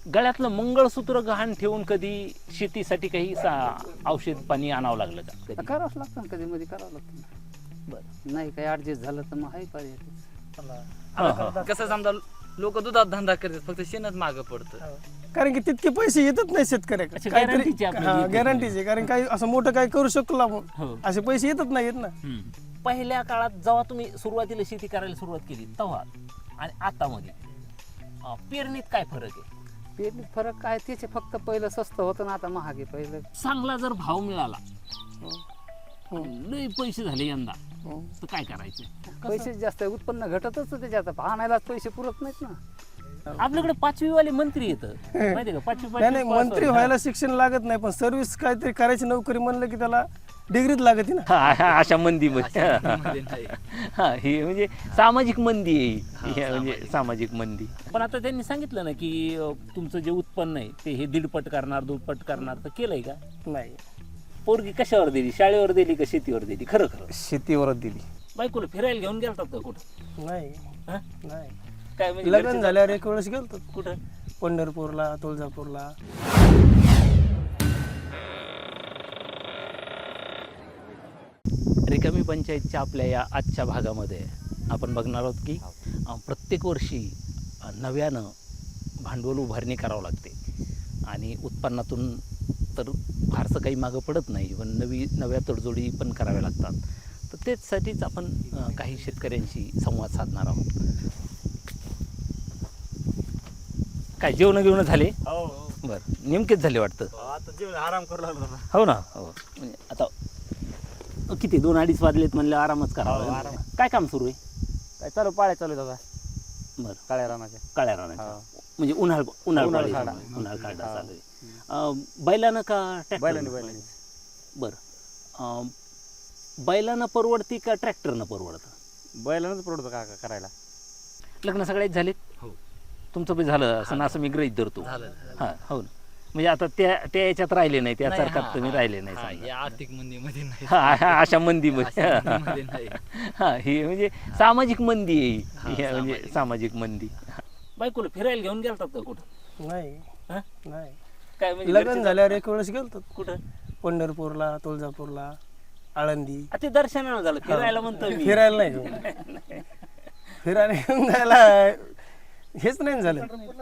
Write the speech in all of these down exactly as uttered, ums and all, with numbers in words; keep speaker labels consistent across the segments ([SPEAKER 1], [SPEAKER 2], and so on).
[SPEAKER 1] गळ्यातलं मंगळसूत्र गहाण ठेवून कधी शेतीसाठी काही औषध पाणी आणावं लागलं का कधी?
[SPEAKER 2] करावंच लागतं ना, कधी मध्ये करावं लागतं ना.
[SPEAKER 1] बरं.
[SPEAKER 2] नाही काही ऍडजस्ट झालं तर मग आहे पर्याय.
[SPEAKER 1] हा, हा.
[SPEAKER 3] कसं समजा लोक दुधात धंदा करतात, फक्त शेणच मागं पडतं.
[SPEAKER 4] कारण की तितके पैसे येतच नाही शेतकऱ्याकडे.
[SPEAKER 1] अच्छा,
[SPEAKER 4] काहीतरी
[SPEAKER 1] guarantee आपल्याला
[SPEAKER 4] हा
[SPEAKER 1] येतच
[SPEAKER 4] गॅरंटीचे, कारण काही असं मोठं काही करू शकलो आपण
[SPEAKER 1] हो.
[SPEAKER 4] असे पैसे येतच नाहीत ना.
[SPEAKER 1] हम्म. पहिल्या काळात जेव्हा तुम्ही सुरुवातीला शेती करायला सुरुवात केली तेव्हा आणि आता मध्ये अं, पेरणीत काय फरक आहे?
[SPEAKER 2] पेरणीत फरक काय, त्याचे फक्त पहिलं स्वस्त होतं ना, आता महाग आहे. पहिलं
[SPEAKER 1] चांगला जर भाव मिळाला
[SPEAKER 4] हो.
[SPEAKER 1] लय पैसे झाले यंदा
[SPEAKER 4] हो.
[SPEAKER 1] तर काय करायचं?
[SPEAKER 2] पैसे जास्त आहे, उत्पन्न घटतच त्याच्यात, आणायलाच पैसे पुरत नाहीत ना.
[SPEAKER 1] आपल्याकडे पाचवी वाले मंत्री येतं माहिती का? पाचवी
[SPEAKER 4] नाही नाही,
[SPEAKER 1] पाचवी
[SPEAKER 4] मंत्री
[SPEAKER 1] pass
[SPEAKER 4] व्हायला शिक्षण लागत नाही, पण सर्व्हिस काहीतरी करायची नोकरी म्हणलं की त्याला डिग्रीच लागते ना.
[SPEAKER 1] हा, हा, अशा मंदीमध्ये
[SPEAKER 3] मध्ये नाही.
[SPEAKER 1] हा, ही म्हणजे सामाजिक मंदी आहे ही.
[SPEAKER 3] हा,
[SPEAKER 1] ही म्हणजे
[SPEAKER 3] सामाजिक.
[SPEAKER 1] सामाजिक मंदी. पण आता त्यांनी सांगितलं ना की अं, तुमचं जे उत्पन्न आहे ते हे दीडपट करणार दुप्पट करणार, तर केलंय का?
[SPEAKER 4] नाही,
[SPEAKER 1] पोरगी कशावर दिली? शाळेवर दिली का शेतीवर दिली? खरं खरं
[SPEAKER 4] शेतीवरच दिली.
[SPEAKER 1] बायकोला फिरायला घेऊन गेलतात का कुठं?
[SPEAKER 4] नाही
[SPEAKER 1] हा?
[SPEAKER 4] नाही,
[SPEAKER 1] काय म्हणजे
[SPEAKER 4] लग्न
[SPEAKER 1] घरचे-
[SPEAKER 4] झाल्यावर एक वेळेस गेलतो
[SPEAKER 1] कुठं?
[SPEAKER 4] पंढरपूरला, तुळजापूरला.
[SPEAKER 1] रिकामी पंचायतच्या आपल्या या आजच्या भागामध्ये आपण बघणार आहोत की अं, प्रत्येक वर्षी अं, नव्यानं भांडवल उभारणी करावं लागते आणि उत्पन्नातून तर फारसं काही मागं पडत नाही, पण नवी नव्या तडजोडी पण कराव्या लागतात. तर तेचसाठीच आपण अं, काही शेतकऱ्यांशी संवाद साधणार आहोत. काय जेवण घेऊन झाले? बरं, नेमकेच झाले वाटतं.
[SPEAKER 3] आता जेवण आराम करू लागलो.
[SPEAKER 1] हो ना, हो. म्हणजे आता किती दोन अडीच वाजलेत म्हणलं आरामच करावा.
[SPEAKER 3] हो, आराम.
[SPEAKER 1] काय काम सुरू आहे?
[SPEAKER 3] काय चालू पाळ्या चालू दादा
[SPEAKER 1] बरं,
[SPEAKER 3] काळ्या रानाच्या.
[SPEAKER 1] काळ्या रानाच्या म्हणजे उन्हाळ उन्हाळ
[SPEAKER 3] उन्हाळ
[SPEAKER 1] पाळी
[SPEAKER 3] काढा.
[SPEAKER 1] चालू आहे, उन्हाळ काढा
[SPEAKER 3] हा.
[SPEAKER 1] चालू आहे. अं, बैलानं का ट्रॅक्टर?
[SPEAKER 3] बैलांनी बैलांनी
[SPEAKER 1] बरं, अं, बैलानं परवडती का ट्रॅक्टरनं परवडतं?
[SPEAKER 3] बैलानंच पडतो का करायला.
[SPEAKER 1] लग्न सगळ्यात झालेत?
[SPEAKER 3] हो.
[SPEAKER 1] तुमचं बी झालं असं ना, असं मी गृहीत धरतो.
[SPEAKER 3] झालं.
[SPEAKER 1] हां, हो ना. म्हणजे आता त्या त्या याच्यात राहिले नाही, त्या
[SPEAKER 3] नाही,
[SPEAKER 1] सारखात
[SPEAKER 3] हा,
[SPEAKER 1] तुम्ही
[SPEAKER 3] हा,
[SPEAKER 1] राहिले नाही
[SPEAKER 3] हा,
[SPEAKER 1] सांगा.
[SPEAKER 3] या आर्थिक मंदीमध्ये नाही.
[SPEAKER 1] हा, हा, अशा मंदीमध्ये
[SPEAKER 3] अशा मंदीमध्ये नाही.
[SPEAKER 1] हा, ही म्हणजे सामाजिक मंदी आहे
[SPEAKER 3] हा,
[SPEAKER 1] ही. ही म्हणजे
[SPEAKER 3] सामाजिक.
[SPEAKER 1] सामाजिक मंदी. बायकोला फिरायला घेऊन गेलतात का कुठं?
[SPEAKER 4] नाही
[SPEAKER 1] हा?
[SPEAKER 4] नाही,
[SPEAKER 1] काय म्हणजे
[SPEAKER 4] लग्न
[SPEAKER 1] घरचे-
[SPEAKER 4] झाल्यावर एक वेळेस गेलतो
[SPEAKER 1] कुठं?
[SPEAKER 4] पंढरपूरला, तुळजापूरला, आळंदी.
[SPEAKER 1] आ, ते दर्शनाला झालं, फिरायला म्हणतो मी.
[SPEAKER 4] फिरायला नाही घेऊन. फिरायला घेऊन जायला हेच नाही झालं,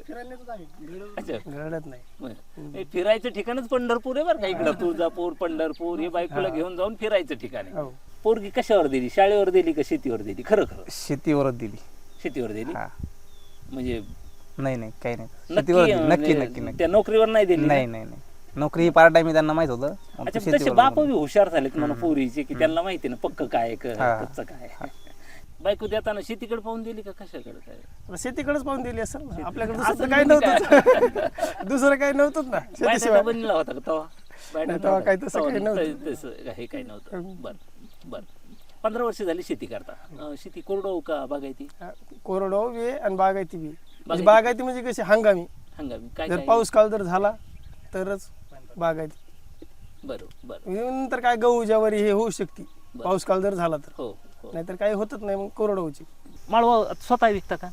[SPEAKER 1] अच्छा.
[SPEAKER 4] घडत नाही.
[SPEAKER 1] बरं. हे फिरायचं ठिकाणच पंढरपूर आहे बरं का. इकडं तुळजापूर, पंढरपूर हे बायकोला घेऊन जाऊन फिरायचं ठिकाण आहे.
[SPEAKER 4] हो,
[SPEAKER 1] पोरगी कशावर दिली? शाळेवर दिली का शेतीवर दिली? खरं खरं
[SPEAKER 5] शेतीवरच दिली.
[SPEAKER 1] शेतीवर दिली.
[SPEAKER 5] हा.
[SPEAKER 1] म्हणजे
[SPEAKER 5] नाही नाही काही नाही,
[SPEAKER 1] नक्की
[SPEAKER 5] शेतीवर दिली.
[SPEAKER 1] म्हणजे
[SPEAKER 5] नक्की नक्की नक्की
[SPEAKER 1] त्या नोकरीवर नाही दिली ना?
[SPEAKER 5] नाही नाही नाही, नोकरी ही पार्ट टाइम त्यांना माहित होतं, मग
[SPEAKER 1] अच्छा,
[SPEAKER 5] ते
[SPEAKER 1] तसे
[SPEAKER 5] शेतीवर
[SPEAKER 1] बाप
[SPEAKER 5] दिली.
[SPEAKER 1] बी हुशार झालेत म्हणा पोरीचे की त्यांना माहिती ना पक्क काय क-
[SPEAKER 5] हा.
[SPEAKER 1] कच्चं काय. बायको देताना शेतीकडे पाहून दिली का कशाकडे काय?
[SPEAKER 4] आता शेतीकडेच पाहून दिली असेल ना. आपल्याकडे
[SPEAKER 1] असं
[SPEAKER 4] दुसरं काही
[SPEAKER 1] म्हणजे
[SPEAKER 4] नव्हतं. दुसरं काही नव्हतंच ना
[SPEAKER 1] बायकोचा
[SPEAKER 4] शेतीशिवाय.
[SPEAKER 1] बनला होता का तेव्हा? बायकोचा
[SPEAKER 4] नाही, तेव्हा काही तसं
[SPEAKER 1] तेव्हा
[SPEAKER 4] काही नव्हतं.
[SPEAKER 1] त- तसं हे काही नव्हतं. बरं बरं. पंधरा वर्ष झाली शेती करता. अं, शेती कोरडवाहू का बागायती?
[SPEAKER 4] हा, कोरडवाहू बी आहे आणि बागायती बी. म्हणजे
[SPEAKER 1] बागायती.
[SPEAKER 4] बागायती म्हणजे कशी हंगामी,
[SPEAKER 1] हंगामी काय
[SPEAKER 4] जर
[SPEAKER 1] काय?
[SPEAKER 4] पाऊस काळ जर झाला तरच बागायती.
[SPEAKER 1] बरं बरं.
[SPEAKER 4] नंतर काय गहू ज्वारी हे होऊ शकते पाऊस काळ जर झाला तर,
[SPEAKER 1] हो हो.
[SPEAKER 4] नाहीतर काही होतच नाही मग कोरडवाहूची.
[SPEAKER 1] माळवा स्वतः विकता का?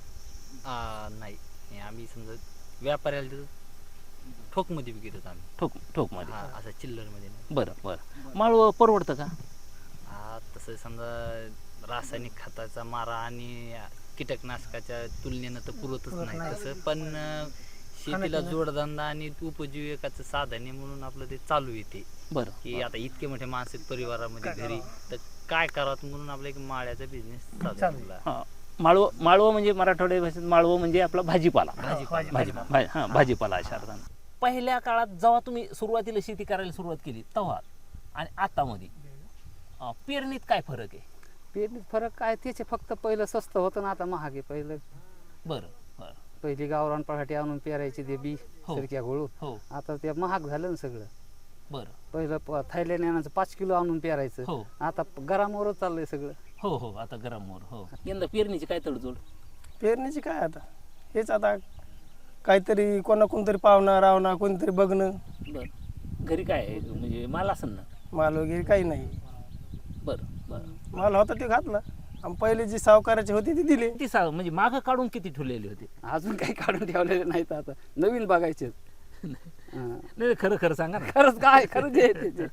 [SPEAKER 3] आ, नाही हे आम्ही समजा व्यापाऱ्याला देतो, ठोकमध्ये विकतो आम्ही.
[SPEAKER 1] ठोक ठोकमध्ये.
[SPEAKER 3] हा, असं चिल्लरमध्ये नाही.
[SPEAKER 1] बरं बरं. माळवं परवडतं का?
[SPEAKER 3] हा, तसं समजा रासायनिक खताचा मारा आणि कीटकनाशकाच्या तुलनेनं तर पुरतच नाही तसं, पण अं, शेतीला जोडधंदा आणि उपजीविकाचं साधन आहे म्हणून आपलं ते चालू येते
[SPEAKER 1] बरं.
[SPEAKER 3] की आता इतके मोठे माणसं आहेत परिवारामध्ये घरी, तर काय करावं म्हणून आपला एक माळ्याचा बिझनेस चालू झाला.
[SPEAKER 1] हां, माळवं माळवं म्हणजे मराठवाड्या भाषेत माळवं म्हणजे आपला भाजीपाला.
[SPEAKER 3] भाजीपाला.
[SPEAKER 1] भाजीपाला भा- हां, भाजीपाला अशा अर्थानं. पहिल्या काळात जेव्हा तुम्ही सुरुवातीला शेती करायला सुरुवात केली तेव्हा आणि आता मध्ये अं, पेरणीत काय फरक आहे?
[SPEAKER 2] पेरणीत फरक काय, त्याचे फक्त पहिलं स्वस्त होतं ना, आता महाग आहे. पहिलं
[SPEAKER 1] बरं बरं.
[SPEAKER 2] पहिली गावरान पराठी आणून पेरायची ते बी
[SPEAKER 1] हो.
[SPEAKER 2] सरक्या घोळून,
[SPEAKER 1] हो
[SPEAKER 2] आता ते महाग झालं ना सगळं.
[SPEAKER 1] बरं.
[SPEAKER 2] पहिलं प- थायलंड आणायचं पाच किलो आणून पेरायचं,
[SPEAKER 1] हो
[SPEAKER 2] आता गरामवरच चाललंय सगळं.
[SPEAKER 1] हो हो. आता गरमवर. हो. यंदा पेरणीची काय तडजोड?
[SPEAKER 4] पेरणीची काय आता हेच, आता काहीतरी कोणा कोणतरी पाहुणा रावणा कोणतरी बघणं,
[SPEAKER 1] बरं. घरी काय आहे म्हणजे माल असेल ना?
[SPEAKER 4] माल वगैरे काही नाही.
[SPEAKER 1] बरं बरं.
[SPEAKER 4] माल होता ते घातला. आणि पहिले जी सावकाराची होती ती दिली.
[SPEAKER 1] किती सा म्हणजे मागं काढून किती ठेवलेले होते?
[SPEAKER 2] अजून काही काढून ठेवलेले नाहीत, आता नवीन बघायचे.
[SPEAKER 1] नाही खरं खरं सांगा ना.
[SPEAKER 2] खरंच काय खरं जे आहे ते.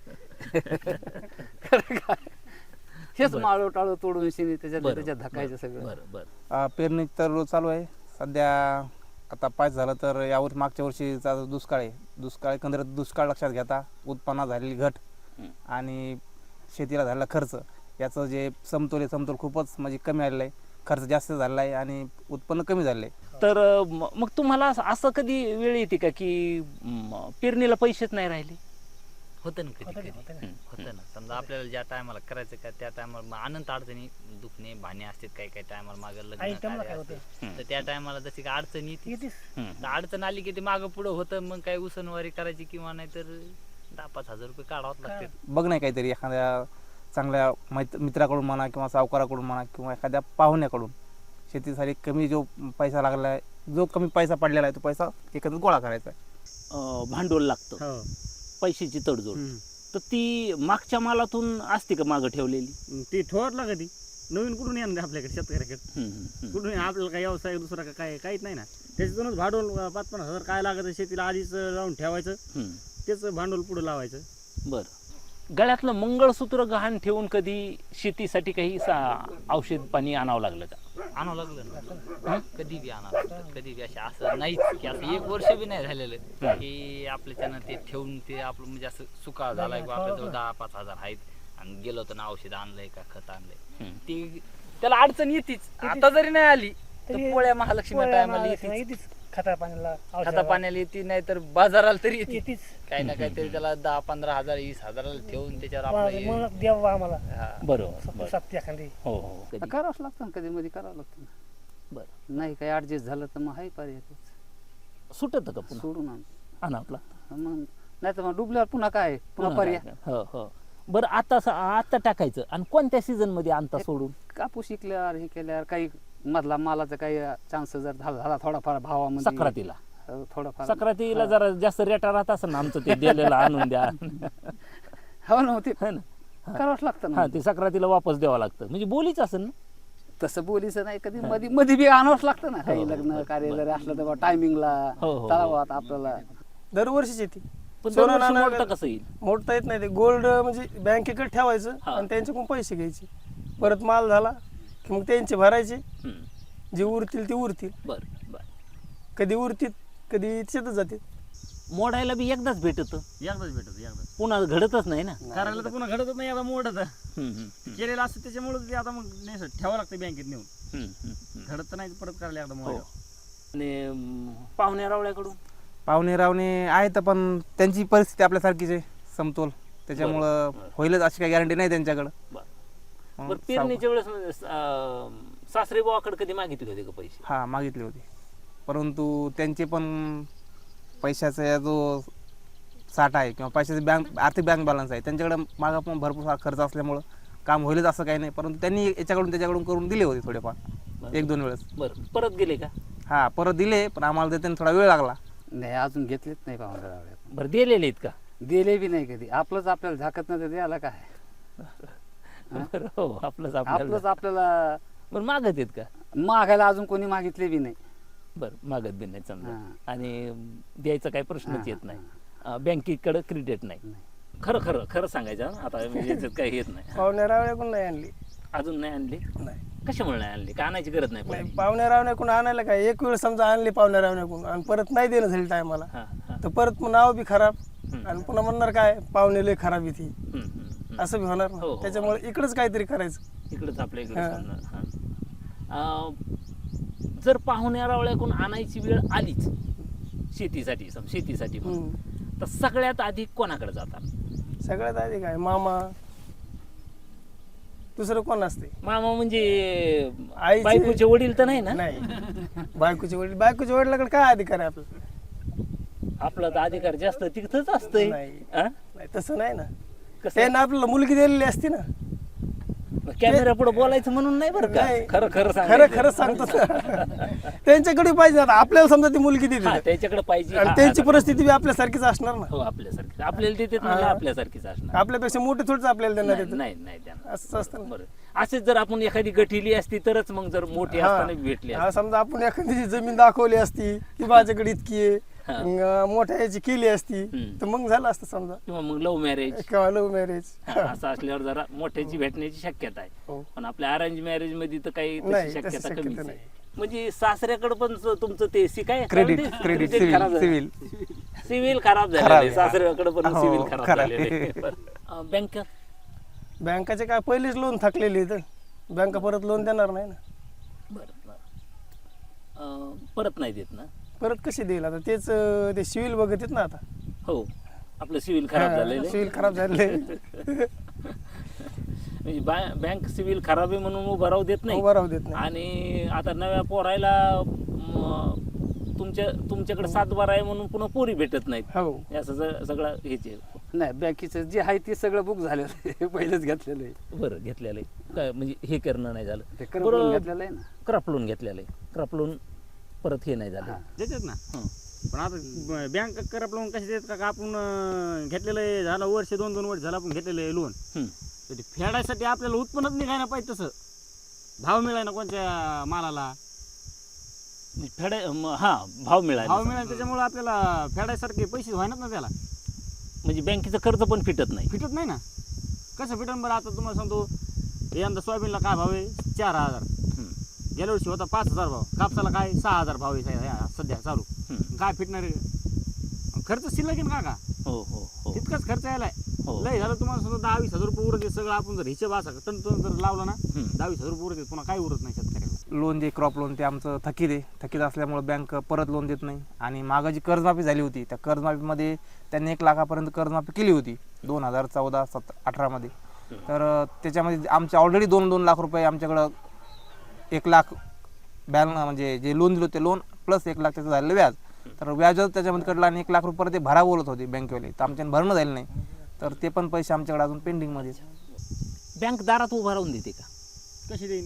[SPEAKER 2] खरं काय हेच
[SPEAKER 1] बरं.
[SPEAKER 2] माळो टाळो तोडून शिनी त्याच्यात
[SPEAKER 1] बरं,
[SPEAKER 2] त्याच्यात धकायचं सगळं.
[SPEAKER 1] बरं बरं
[SPEAKER 5] अं, पेरणी तर चालू आहे सध्या. आता पाच झालं तर यावर मागच्या वर्षीचा जो दुष्काळ आहे, दुष्काळ एकंदरीत दुष्काळ लक्षात घेता उत्पन्नात झालेली घट
[SPEAKER 1] हं.
[SPEAKER 5] आणि शेतीला झालेला खर्च याचं जे समतोल आहे समतोल खूपच म्हणजे कमी आलेला आहे. खर्च जास्त झालेला आहे आणि उत्पन्न कमी झालेलं आहे.
[SPEAKER 1] तर अं, म- मग तुम्हाला असं- असं कधी वेळ येते का की म, पेरणीला पैसेच नाही राहिले?
[SPEAKER 3] होतं ना कधी कधी होतं ना. समजा आपल्याला ज्या टायमाला करायचं का त्या टायमाला अनंत अडचणी दुखणे भाणे असतात, काही काही टायमाला मागं लग्न कार्य असते. तर त्या टायमाला जशी काही अडचण येते,
[SPEAKER 1] हं.
[SPEAKER 3] तर अडचण आली की ते मागं पुढं होतं. मग काही उसनवारी करायची किंवा नाही तर दहा पाच हजार रुपये काढावंच लागते.
[SPEAKER 5] बघ नाही काहीतरी एखाद्या चांगल्या मैत्र मित्राकडून म्हणा किंवा सावकाराकडून म्हणा किंवा एखाद्या पाहुण्याकडून शेतीसाठी कमी जो पैसा लागला आहे, जो कमी पैसा पडलेला आहे तो पैसा एकत्रित गोळा करायचा आहे.
[SPEAKER 1] अं, भांडवल लागतं, पैशाची तडजोड. तर ती मागच्या मालातून असते का मागं ठेवलेली?
[SPEAKER 6] ती ठोरला कधी नवीन कुठून येणार आपल्याकडे शेतकऱ्याकडे?
[SPEAKER 1] हं, हं, हं.
[SPEAKER 6] कुठून आपल्याला काही व्यवसाय दुसरा का काय काहीच नाही ना. त्याच्यातूनच भांडवल पाच पन्नास हजार काय लागत शेतीला आधीच लावून ठेवायचं,
[SPEAKER 1] हं.
[SPEAKER 6] त्याच भांडवल पुढे लावायचं.
[SPEAKER 1] बरं. गळ्यातलं मंगळसूत्र गहाण ठेवून कधी शेतीसाठी काही सा- औषध पाणी आणावं लागलं का?
[SPEAKER 3] आणावं लागलं ना कधी बी आणावं लागतं. कधी बी असे असं नाहीच की असं एक वर्ष बी नाही झालेलं की आपल्याच्यानं ते ठेवून ते आपलं म्हणजे असं सुका झालाय किंवा आपल्याजवळ दहा पाच हजार आहेत आणि गेलो तर ना औषध आणलंय का खत आणलंय,
[SPEAKER 1] हं.
[SPEAKER 3] ते त्याला अडचण येतीच. आता जरी नाही आली तर पोळ्या महालक्ष्मी टायमाला येतीच,
[SPEAKER 6] खता पाण्याला
[SPEAKER 3] खाता पाण्याला येते, नाही तर बाजाराला तरी येते. काही ना काहीतरी त्याला दहा पंधरा हजार वीस हजाराला ठेवून त्याच्यावर आपलं
[SPEAKER 6] देव आम्हाला
[SPEAKER 3] हा.
[SPEAKER 1] बरोबर बरं.
[SPEAKER 6] सत्य एखादी.
[SPEAKER 1] हो हो कधी.
[SPEAKER 2] करावंच लागतं ना, कधी मध्ये करावं लागतं ना.
[SPEAKER 1] बरं.
[SPEAKER 2] नाही काही ऍडजस्ट झालं तर मग हाय पर्याय
[SPEAKER 1] सुटत का पुन्हा
[SPEAKER 2] सोडून आण.
[SPEAKER 1] आणावं लागतं?
[SPEAKER 2] मग नाही तर मग डुबल्यावर पुन्हा काय पुन्हा पर्याय.
[SPEAKER 1] काय? हो हो. बरं आता स- आता टाकायचं आणि कोणत्या सीझन मध्ये आणता सोडून?
[SPEAKER 2] कापूस शिकल्यावर हे केल्यावर काही मधला मालाचा काही चान्स जर झाला झाला थोडाफार भावामध्ये
[SPEAKER 1] सक्रातीला
[SPEAKER 2] हो, थोडाफार
[SPEAKER 1] सक्रातीला जरा जास्त रेटा राहत असं ना आमचं ते दिलेलं आणून द्या.
[SPEAKER 2] हो ना ते
[SPEAKER 1] है ना?
[SPEAKER 2] करावंच लागतं
[SPEAKER 1] हा
[SPEAKER 2] ना.
[SPEAKER 1] ते सक्रातीला वापस द्यावं लागतं म्हणजे बोलीच असेल ना.
[SPEAKER 2] तसं बोलीचं नाही कधी मध्ये मध्ये बी आणावंच लागतं ना.
[SPEAKER 1] हो,
[SPEAKER 2] काही
[SPEAKER 1] हो,
[SPEAKER 2] लग्न
[SPEAKER 1] हो,
[SPEAKER 2] कार्य
[SPEAKER 1] बरं.
[SPEAKER 2] जरी असलं तर टायमिंगला
[SPEAKER 1] हो, हो, हो.
[SPEAKER 2] तळावात आपल्याला
[SPEAKER 4] दरवर्षीच येते.
[SPEAKER 1] पण
[SPEAKER 4] सोनं
[SPEAKER 1] दरवर्षी
[SPEAKER 4] नाणं
[SPEAKER 1] मोडतं कसं येईल?
[SPEAKER 4] मोडता येत नाही. ते गोल्ड म्हणजे बँकेकडे ठेवायचं
[SPEAKER 1] हा.
[SPEAKER 4] आणि त्यांच्याकडून पैसे घ्यायचे. परत माल झाला की मग त्यांचे भरायचे.
[SPEAKER 1] हम्म.
[SPEAKER 4] जे उरतील ते उरतील.
[SPEAKER 1] बरं बरं.
[SPEAKER 4] कधी उरतील कधी शेतच जातील.
[SPEAKER 1] मोडायला बी एकदाच भेटत,
[SPEAKER 6] एकदाच भेटत एकदाच.
[SPEAKER 1] पुन्हा घडतच नाही ना.
[SPEAKER 6] करायला तर पुन्हा घडतच नाही, आता मोडत
[SPEAKER 1] हम्म, हम्म,
[SPEAKER 6] केलेलं असतं त्याच्यामुळे ते आता मग नाही सर, ठेवावं लागतं बँकेत नेऊन.
[SPEAKER 1] हम्म, हम्म, हम्म.
[SPEAKER 6] घडत तर नाही परत करायला एकदा
[SPEAKER 1] हो.
[SPEAKER 6] मोड.
[SPEAKER 1] आणि अं, पाहुण्या रावळ्याकडून
[SPEAKER 5] पाहुणे रावणे आहेत पण त्यांची परिस्थिती आपल्यासारखीच आहे समतोल, त्याच्यामुळं
[SPEAKER 1] बरं.
[SPEAKER 5] होईलच अशी काही गॅरंटी नाही त्यांच्याकडं.
[SPEAKER 1] बरं.
[SPEAKER 5] मग
[SPEAKER 1] बरं पेरणीच्या वेळेस म्हणजे, अं, सासरे भावाकडे कधी मागितले होते का पैसे?
[SPEAKER 5] हा मागितले होते, परंतु त्यांचे पण पैशाचा जो साठा आहे किंवा पैशाचा बँक आर्थिक बँक बॅलन्स आहे त्यांच्याकडे मागं पण भरपूर सारा खर्च असल्यामुळं काम होईलच असं काही नाही. परंतु त्यांनी याच्याकडून त्याच्याकडून करून दिले होते थोडेफार एक दोन वेळेस.
[SPEAKER 1] बरं परत गेले का?
[SPEAKER 5] हा परत दिले पण आम्हाला देताना थोडा वेळ लागला.
[SPEAKER 2] नाही अजून घेतलेच नाही पाहुणे रावळे.
[SPEAKER 1] बरं दिलेले आहेत का?
[SPEAKER 2] दिले बी नाही कधी. आपलंच आपल्याला झाकत नाही तर द्यायला काय.
[SPEAKER 1] बरं हो आपलंच आपल्याला.
[SPEAKER 2] आपलंच आपल्याला
[SPEAKER 1] बरं मागत आहेत का?
[SPEAKER 2] मागायला अजून कोणी मागितले बी नाही.
[SPEAKER 1] बरं मागत बी नाही समजा.
[SPEAKER 2] हां.
[SPEAKER 1] आणि अं, द्यायचा काही प्रश्नच
[SPEAKER 2] हां,
[SPEAKER 1] येत नाही. अं, बँकेकडे क्रेडिट नाही.
[SPEAKER 2] नाही.
[SPEAKER 1] खरं खरं खरं सांगायचं हं? आता म्हणजे याच्यात काही येत नाही.
[SPEAKER 4] पाहुण्या रावण्याकडून नाही आणली.
[SPEAKER 1] अजून नाही आणली?
[SPEAKER 4] नाही
[SPEAKER 1] कशामुळे नाही आणली? का आणायची गरज नाही
[SPEAKER 4] नाही
[SPEAKER 1] पडली?
[SPEAKER 4] पाहुण्या रावण्याकडून आणायला काय एक वेळ समजा आणली पाहुण्या रावण्याकडून आणि परत नाही देणं झाली टायमाला
[SPEAKER 1] हां हां
[SPEAKER 4] तर परत मग नाव बी खराब
[SPEAKER 1] हम्म.
[SPEAKER 4] आणि पुन्हा म्हणणार काय पाहुणे लय खराब येते
[SPEAKER 1] हम्म, हम्म, हम्म.
[SPEAKER 4] असं बी होणार
[SPEAKER 1] हो,
[SPEAKER 4] ना.
[SPEAKER 1] हो.
[SPEAKER 4] त्याच्यामुळे इकडंच काहीतरी करायचं.
[SPEAKER 1] इकडंच आपल्या इकडे
[SPEAKER 4] हां.
[SPEAKER 1] सांगणार. हां. अं, जर पाहुण्या रावळ्याकडून आणायची वेळ आलीच शेतीसाठी सम शेतीसाठी म्हणून,
[SPEAKER 4] हम्म.
[SPEAKER 1] तर सगळ्यात आधी कोणाकडे जातात?
[SPEAKER 4] सगळ्यात आधी काय मामा दुसरं कोण असते?
[SPEAKER 1] मामा म्हणजे
[SPEAKER 4] आईचे-
[SPEAKER 1] बायकोचे वडील तर नाही ना?
[SPEAKER 4] नाही बायकोचे वडील बायकोच्या वडिलाकडे काय अधिकार आहे आपला?
[SPEAKER 1] आपला तर अधिकार जास्त तिथंच असतंय.
[SPEAKER 4] नाही.
[SPEAKER 1] हां?
[SPEAKER 4] नाही तसं नाही ना.
[SPEAKER 1] कसं?
[SPEAKER 4] त्यांना आपल्याला मुलगी दिलेली असते ना.
[SPEAKER 1] कॅमेरा पुढे बोलायचं म्हणून नाही बरं का,
[SPEAKER 4] नाही.
[SPEAKER 1] खरं खरं
[SPEAKER 4] खरं
[SPEAKER 1] सांगायचं.
[SPEAKER 4] खरं सांगतो त्यांच्याकडे पाहिजे आता आपल्याला समजा ती मुलगी
[SPEAKER 1] हा,
[SPEAKER 4] देते
[SPEAKER 1] त्याच्याकडे पाहिजे
[SPEAKER 4] आणि
[SPEAKER 1] हा,
[SPEAKER 4] त्यांची
[SPEAKER 1] हा,
[SPEAKER 4] परिस्थिती बी आपल्यासारखीच असणार ना
[SPEAKER 1] हो आपल्यासारखी आपल्याला देते म्हणलं आपल्यासारखीच असणार.
[SPEAKER 4] आपल्यापेक्षा मोठे थोडीच आपल्याला देणार
[SPEAKER 1] नाही
[SPEAKER 4] आहेत.
[SPEAKER 1] नाही नाही देणार.
[SPEAKER 4] असंच असतं ना.
[SPEAKER 1] बरं असेच जर आपण एखादी गठीली असती तरच मग जर मोठी असताना भेटली
[SPEAKER 4] हा
[SPEAKER 1] असती.
[SPEAKER 4] समजा आपण एखादी जमीन दाखवली असती की माझ्याकडे इतकी आहे
[SPEAKER 1] हा.
[SPEAKER 4] अं, मोठ्या याची केली असती
[SPEAKER 1] हम्म.
[SPEAKER 4] तर मग झालं असतं समजा
[SPEAKER 1] किंवा मग लव्ह मॅरेज
[SPEAKER 4] किंवा लव्ह मॅरेज
[SPEAKER 1] असं असल्यावर जरा मोठ्याची भेटण्याची शक्यता आहे.
[SPEAKER 4] हो.
[SPEAKER 1] पण आपल्या अरेंज मॅरेज मध्ये तर काही तशी
[SPEAKER 4] नाही, तशी
[SPEAKER 1] शक्यता
[SPEAKER 4] शक्यता
[SPEAKER 1] कमीच
[SPEAKER 4] नाही.
[SPEAKER 1] आहे. म्हणजे सासऱ्याकडे पण स- तुमचं ते सी काय
[SPEAKER 5] क्रेडिट
[SPEAKER 1] काय म्हणते?
[SPEAKER 5] क्रेडिट
[SPEAKER 1] Credit खराब
[SPEAKER 5] सिव्हिल
[SPEAKER 1] झालं.
[SPEAKER 5] सिव्हिल
[SPEAKER 1] सिव्हिल खराब झालेलं
[SPEAKER 5] खराब
[SPEAKER 1] आहे.
[SPEAKER 5] आहे.
[SPEAKER 1] सासऱ्याकडे पण
[SPEAKER 5] हो,
[SPEAKER 1] सिव्हिल खराब
[SPEAKER 5] खराब
[SPEAKER 1] झालेलं आहे.
[SPEAKER 5] आहे.
[SPEAKER 1] अं, बँक
[SPEAKER 4] बँकाचे काय पहिलेच लोन थकलेले तर बँका परत लोन देणार नाही ना.
[SPEAKER 1] बरं बरं अं, परत नाही देत ना.
[SPEAKER 4] परत कशी देईल आता तेच अं, ते सिव्हिल बघत आहेत ना आता
[SPEAKER 1] हो आपलं सिव्हिल खराब झालेलं आहे.
[SPEAKER 4] सिव्हिल खराब झाले
[SPEAKER 1] म्हणजे बॅ- बँक सिव्हिल खराब आहे म्हणून उभं राहू देत नाही.
[SPEAKER 4] उभं राहू देत नाही.
[SPEAKER 1] आणि आता नव्या पोरायला म, तुमच्या तुमच्याकडे सातबारा आहे म्हणून पुन्हा पोरी भेटत नाहीत.
[SPEAKER 4] हो
[SPEAKER 1] हे असं ज- सगळं हेच आहे.
[SPEAKER 2] नाही बँकेचं जे आहे ते सगळं बुक झालेलं आहे पहिलेच घेतलेलं आहे
[SPEAKER 1] बरं घेतलेलं आहे काय म्हणजे हे करणं नाही झालं.
[SPEAKER 2] ते करत
[SPEAKER 1] बरं
[SPEAKER 2] घेतलेलं आहे ना.
[SPEAKER 1] क्रॉप लोन घेतलेलं आहे. क्रॉप लोन परत हे नाही झालं.
[SPEAKER 2] हा.
[SPEAKER 6] देतात ना.
[SPEAKER 1] हं.
[SPEAKER 6] पण आता बँक करप लोन कसे देतात का आपण अं, घेतलेलं आहे झालं वर्ष दोन दोन वर्ष झालं आपण घेतलेलं आहे लोन,
[SPEAKER 1] हं.
[SPEAKER 6] तर ते फेडायसाठी आपल्याला उत्पन्नच निघायला पाहिजे तसं भाव मिळाय ना कोणत्या मालाला
[SPEAKER 1] म्हणजे फेडाय म- हा भाव मिळाला
[SPEAKER 6] भाव मिळाला त्याच्यामुळे आपल्याला फेडायसारखे पैसे व्हायनात ना त्याला.
[SPEAKER 1] म्हणजे बँकेचं कर्ज पण फिटत नाही.
[SPEAKER 6] फिटत नाही ना. कसं फिटन बरं. आता तुम्हाला सांगतो यंदा सोयाबीनला काय भाव आहे चार हजार,
[SPEAKER 1] हं.
[SPEAKER 6] गेल्या वर्षी होता पाच हजार भाव, कापसाला काय सहा हजार भाव आहे सा- सध्या चालू.
[SPEAKER 1] हं.
[SPEAKER 6] काय फिटणार आहे? खर्च शिल्लक आहे ना काका,
[SPEAKER 1] हो हो हो
[SPEAKER 6] तितकाच खर्च यायलाय.
[SPEAKER 1] हो.
[SPEAKER 6] लय झालं तुम्हाला समजा दहा वीस हजार रुपये उरत आहे सगळं आपण जर हिशेब असा टन टन जर लावला ना
[SPEAKER 1] हं.
[SPEAKER 6] दहा वीस हजार रुपये उरत आहे, पुन्हा काय उरत नाही शेतकऱ्याला.
[SPEAKER 5] लोन जे क्रॉप लोन ते आमचं थकीत आहे. थकीत असल्यामुळे बँक परत लोन देत नाही. आणि मागं जी कर्जमाफी झाली होती त्या कर्जमाफीमध्ये त्यांनी एक लाखापर्यंत कर्जमाफी केली होती दोन हजार चौदा सत अठरामध्ये. तर अं, त्याच्यामध्ये आमचे ऑलरेडी दोन दोन लाख रुपये आमच्याकडं एक लाख बॅल म्हणजे जे लोन दिलं ते लोन प्लस एक लाख त्याचं झालेलं व्याज. तर व्याजच त्याच्यामध्ये कडलं आणि एक लाख रुपये परत ते भरा बोलत होते बँकेवाले, तर आमच्याने भरणं झालं नाही. तर ते पण पैसे आमच्याकडे अजून पेंडिंगमध्ये.
[SPEAKER 1] बँक दारात उभा राहून देते का?
[SPEAKER 6] कशी देईन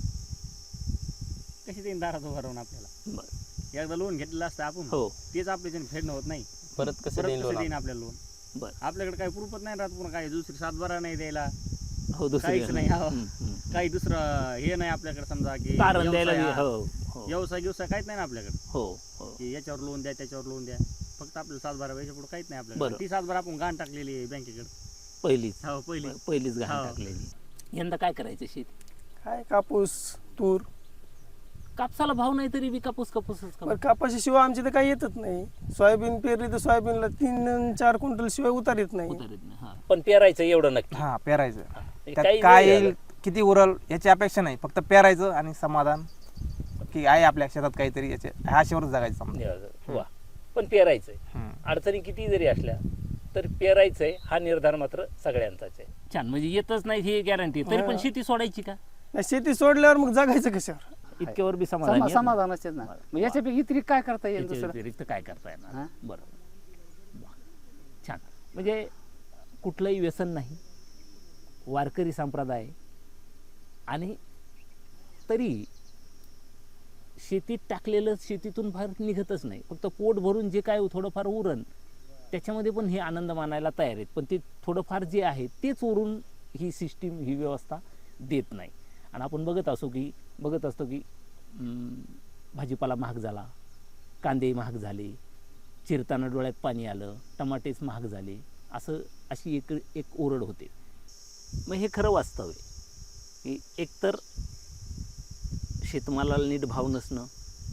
[SPEAKER 6] कशी देईन दारात उभा राहून आपल्याला.
[SPEAKER 1] बरं
[SPEAKER 6] एकदा लोन घेतलेलं असतं आपण,
[SPEAKER 1] हो
[SPEAKER 6] तेच आपल्याच्याने फेडणं होत नाही.
[SPEAKER 1] परत कसं
[SPEAKER 6] परत
[SPEAKER 1] देईन
[SPEAKER 6] कसं
[SPEAKER 1] लोन?
[SPEAKER 6] देईन आपल्याला लोन.
[SPEAKER 1] बरं
[SPEAKER 6] आपल्याकडे काही प्रूफच नाही राहत, पुन्हा काही दुसरी सातबारा नाही द्यायला,
[SPEAKER 1] हो दुसरी
[SPEAKER 6] काहीच नाही. हो.
[SPEAKER 1] हं, हं.
[SPEAKER 6] काही दुसरं हे नाही आपल्याकडे समजा की
[SPEAKER 1] तारण द्यायला
[SPEAKER 6] व्यवसाय हा-
[SPEAKER 1] हो हो
[SPEAKER 6] व्यवसाय व्यवसाय काहीच नाही ना आपल्याकडे
[SPEAKER 1] हो हो
[SPEAKER 6] की याच्यावर लोन द्या त्याच्यावर लोन द्या. फक्त आपल्याला सातबारा पैसे पुढे काहीच नाही
[SPEAKER 1] बरं.
[SPEAKER 6] आपल्याकडे. ती सातबारा आपण गाण टाकलेली आहे बँकेकडे.
[SPEAKER 1] पहिलीच
[SPEAKER 6] हो पहिली.
[SPEAKER 1] पहिलीच घाण
[SPEAKER 6] हो.
[SPEAKER 1] टाकलेली. यंदा काय करायचं शेती?
[SPEAKER 4] काय कापूस तूर
[SPEAKER 1] कापसाला भाव नाही तरी बी कापूस कापूसच
[SPEAKER 4] पण
[SPEAKER 1] का?
[SPEAKER 4] कापाशीशिवाय आमची तर काही येतच नाही. सोयाबीन पेरली तर सोयाबीनला तीन अन् चार क्विंटल शिवाय उतार येत नाही.
[SPEAKER 1] उतारत नाही. हा. पण पेरायचं एवढं नक्की.
[SPEAKER 5] हां पेरायचं.
[SPEAKER 1] हे
[SPEAKER 5] त्यात
[SPEAKER 1] काही
[SPEAKER 5] काय
[SPEAKER 1] वेळ
[SPEAKER 5] येईल
[SPEAKER 1] झालं.
[SPEAKER 5] किती उरल याची अपेक्षा नाही, फक्त पेरायचं आणि समाधान की आहे आपल्या शेतात काहीतरी याचे ह्या आशेवरच जगायचं समजा.
[SPEAKER 1] देवाचं. वा पण पेरायचंय.
[SPEAKER 5] हम्म.
[SPEAKER 1] अडचणी किती जरी असल्या तर पेरायचंय हा निर्धार मात्र सगळ्यांचाच आहे. छान म्हणजे येतच नाही ही गॅरंटी तरी पण
[SPEAKER 4] हा.
[SPEAKER 1] शेती सोडायची का?
[SPEAKER 4] नाही, शेती सोडल्यावर मग जगायचं कशावर?
[SPEAKER 1] इतक्यावर बी समाधान
[SPEAKER 2] समा-
[SPEAKER 1] येत नाही.
[SPEAKER 2] समाधानच आहेत ना. मग याच्यापैकी इतरी काय करता येईल
[SPEAKER 1] याच्या
[SPEAKER 2] दुसरं?
[SPEAKER 1] व्यतिरिक्त काय करता येणार?
[SPEAKER 2] हा?
[SPEAKER 1] बरोबर वा. छान म्हणजे कुठलंही व्यसन नाही, वारकरी संप्रदाय आणि तरी शेतीत टाकलेलं शेतीतून फार निघतच नाही. फक्त पोट भरून जे काय थोडंफार उरण त्याच्यामध्ये पण हे आनंद मानायला तयार आहेत, पण ते थोडंफार जे आहे तेच उरून ही सिस्टीम ही व्यवस्था देत नाही. आणि आपण बघत असो की बघत असतो की अं, भाजीपाला महाग झाला, कांदे महाग झाले, चिरताना डोळ्यात पाणी आलं, टमाटेच महाग झाले, असं अशी एक एक ओरड होते. मग हे खरं वास्तव आहे की एकतर शेतमालाला नीट भाव नसणं,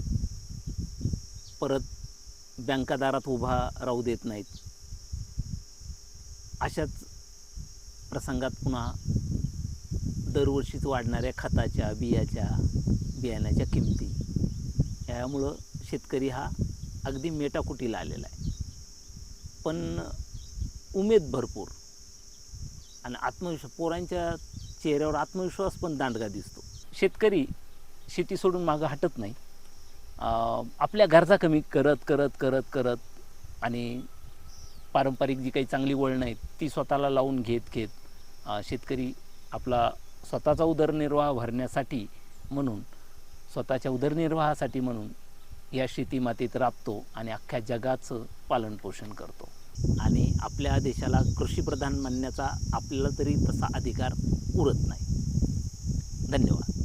[SPEAKER 1] परत बँका दारात उभा राहू देत नाहीत, अशाच प्रसंगात पुन्हा दरवर्षीच वाढणाऱ्या खताच्या बियाच्या बियाण्याच्या किमती यामुळं शेतकरी हा अगदी मेटाकुटीला आलेला आहे. पण उमेद भरपूर आणि आत्मविश्वास, पोरांच्या चेहऱ्यावर आत्मविश्वास पण दांडगा दिसतो. शेतकरी शेती सोडून मागं हटत नाही. अं, आपल्या गरजा कमी करत करत करत करत आणि पारंपरिक जी काही चांगली वळणं आहेत ती स्वतःला लावून घेत घेत अं, शेतकरी आपला स्वतःचा उदरनिर्वाह भरण्यासाठी म्हणून, स्वतःच्या उदरनिर्वाहासाठी म्हणून या शेती मातीत राबतो आणि अख्ख्या जगाचं पालनपोषण करतो. आणि आपल्या देशाला कृषीप्रधान म्हणण्याचा आपल्याला तरी तसा अधिकार उरत नाही. धन्यवाद.